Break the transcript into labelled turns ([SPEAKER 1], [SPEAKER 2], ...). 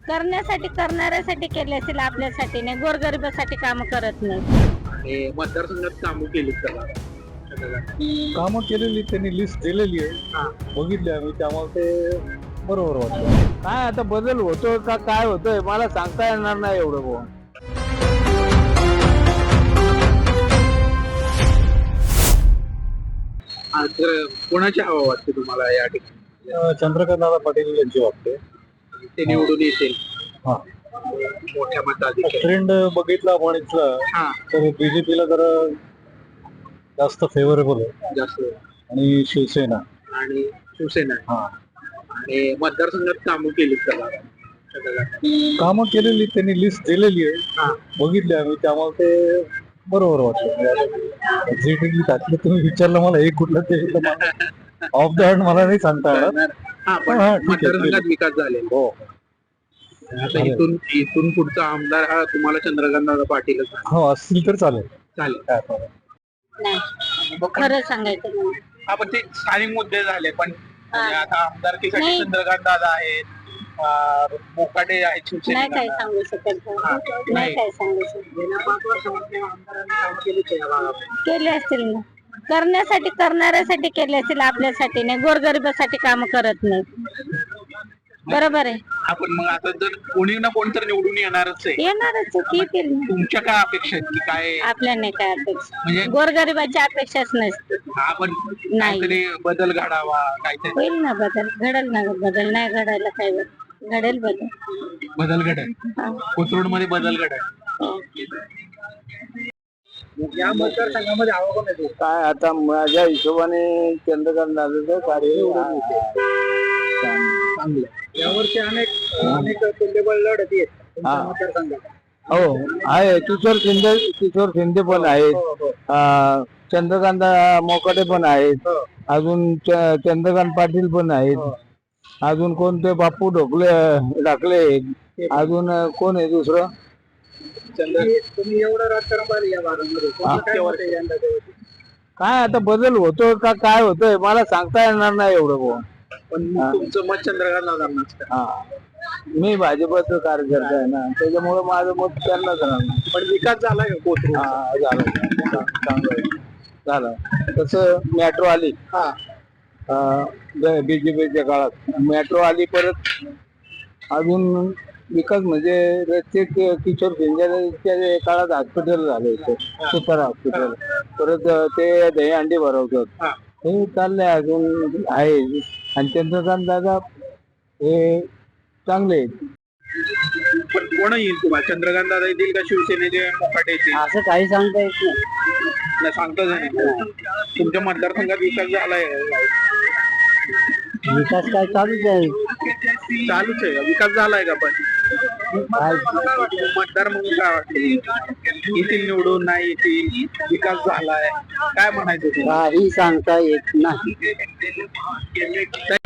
[SPEAKER 1] करण्यासाठी करणाऱ्यासाठी केले असेल, आपल्यासाठी नाही, गोरगरिबासाठी काम करत नाही.
[SPEAKER 2] आणि मतदारसंघात कामं केलीत का?
[SPEAKER 3] कामं केलेली त्यांनी लिस्ट दिलेली
[SPEAKER 2] हा.
[SPEAKER 3] आहे, बघितली आम्ही, त्यामुळे ते बरोबर वाटतं.
[SPEAKER 4] काय आता बदल होतो का काय होतोय मला सांगता येणार नाही एवढं बुवा.
[SPEAKER 2] तर कोणाची हवा वाटते तुम्हाला या ठिकाणी?
[SPEAKER 3] चंद्रकांत पाटील यांची वाटते.
[SPEAKER 2] ते निवडून येतील
[SPEAKER 3] हा.
[SPEAKER 2] मोठ्या मताधिक्याने.
[SPEAKER 3] ट्रेंड बघितला आपण इथला
[SPEAKER 2] हा,
[SPEAKER 3] तर बीजेपीला जरा जास्त फेवरेबल आहे
[SPEAKER 2] जास्त.
[SPEAKER 3] आणि शिवसेना.
[SPEAKER 2] आणि शिवसेना आहे.
[SPEAKER 3] हा.
[SPEAKER 2] आणि मतदारसंघात कामं केलीत का?
[SPEAKER 3] कामं केलेली त्यांनी लिस्ट दिलेली आहे,
[SPEAKER 2] हा.
[SPEAKER 3] बघितली आम्ही, त्यामुळे ते बरोबर वाटतं. एक्झॅक्टली टाकलं तुम्ही विचारलं मला एक कुठलं ते ऑफ द हँड मला नाही सांगता येणार.
[SPEAKER 2] हा, पण
[SPEAKER 3] हा, ठीक आहे.
[SPEAKER 2] मतदारसंघात विकास झाले.
[SPEAKER 3] हो.
[SPEAKER 2] आता इथून पुढचा आमदार हा तुम्हाला चंद्रकांत पाटीलच आहे.
[SPEAKER 3] हो असतील तर चालेल.
[SPEAKER 2] चालेल.
[SPEAKER 3] काय problem.
[SPEAKER 1] नाही, खरं सांगायचं म्हणजे.
[SPEAKER 2] हा, पण ते स्थानिक मुद्दे झाले, पण म्हणजे आता आमदारकीसाठी
[SPEAKER 1] नाही.
[SPEAKER 2] चंद्रकांत दादा आहेत, मोकाटे आहेत
[SPEAKER 1] नाही
[SPEAKER 2] शिवसेना.
[SPEAKER 1] काय सांगू शकत, नाही काय सांगू शकत.
[SPEAKER 2] गेल्या 5 वर्षामध्ये आमदारांनी काम केलीच आहे या भागात.
[SPEAKER 1] केले असतील ना, करण्यासाठी करणाऱ्यासाठी केले असतील, आपल्यासाठी नाही, गोरगरिबासाठी काम करत नाही. बरोबर आहे,
[SPEAKER 2] आपण मग आता जर कोणी ना कोणी तर निवडून येणारच आहे.
[SPEAKER 1] येणारच येतील ना.
[SPEAKER 2] तुमच्या काय अपेक्षा आहेत की काय?
[SPEAKER 1] आपल्या नाही काय अपेक्षा,
[SPEAKER 2] म्हणजे
[SPEAKER 1] गोरगरिबाची अपेक्षाच नसते.
[SPEAKER 2] आपण
[SPEAKER 1] नाही.
[SPEAKER 2] काहीतरी बदल घडावा, काहीतरी
[SPEAKER 1] होईल ना बदल, घडल ना बदल, नाही घडायला काय घडेल बदल.
[SPEAKER 2] बदल घडेल.
[SPEAKER 1] हा.
[SPEAKER 2] कोथरूड मध्ये बदल घडेल.
[SPEAKER 1] हो.
[SPEAKER 2] या मतदारसंघामध्ये हवा कोण आहे?
[SPEAKER 4] काय आता माझ्या हिशोबाने चंद्रकांत दादाचं कार्य
[SPEAKER 2] चांगलं. यावर्षी अनेक तुल्यबळ लढती आहेत तुमच्या
[SPEAKER 4] हा.
[SPEAKER 2] मतदारसंघात.
[SPEAKER 4] हो आहे. किशोर शिंदे पण आहेत, चंद्रकांत मोकाटे पण आहेत, अजून चंद्रकांत पाटील पण आहेत, अजून कोणते बापू ढाकले, अजून कोण आहे दुसरं?
[SPEAKER 2] तुम्ही एवढं राजकारण पाहिलं या भागामध्ये, कोणाचं काय मत आहे यंदाच्या वर्षी?
[SPEAKER 4] काय आता बदल होतो का काय होतोय मला सांगता येणार नाही एवढं बुवा.
[SPEAKER 2] पण तुमचं मत चंद्रकांत दादांनाच का?
[SPEAKER 4] हा, मी भाजपचं कार्यकर्ता आहे ना, त्याच्यामुळे माझं मत त्यांनाच राहणार.
[SPEAKER 2] पण विकास झालाय का कोथरूड?
[SPEAKER 4] हा, झालं चांगलं झालं. तसं मेट्रो आली बीजेपीच्या काळात, मेट्रो आली, परत अजून विकास म्हणजे रस्ते किशोर शिंदेच्या काळात हॉस्पिटल झाले होते, सुतार हॉस्पिटल, परत ते दहीहंडी भरवतात, हे चाललंय अजून आहे. आणि चंद्रकांत दादा हे चांगले आहेत.
[SPEAKER 2] पण कोण येईल तुम्हाला? चंद्रकांत दादा येतील का शिवसेनेचे मोकाटे येतील?
[SPEAKER 4] असं काही सांगता येत नाही.
[SPEAKER 2] नाही, सांगताच नाही. तुमच्या मतदारसंघात विकास झालाय?
[SPEAKER 4] विकास काय चालूच आहे.
[SPEAKER 2] चालूच आहे का? विकास झालाय का? पण मतदार म्हणून काय वाटतं? येतील निवडून, नाही येतील, विकास झालाय, काय म्हणायचं तुम्हाला?
[SPEAKER 4] काही सांगता येत नाही.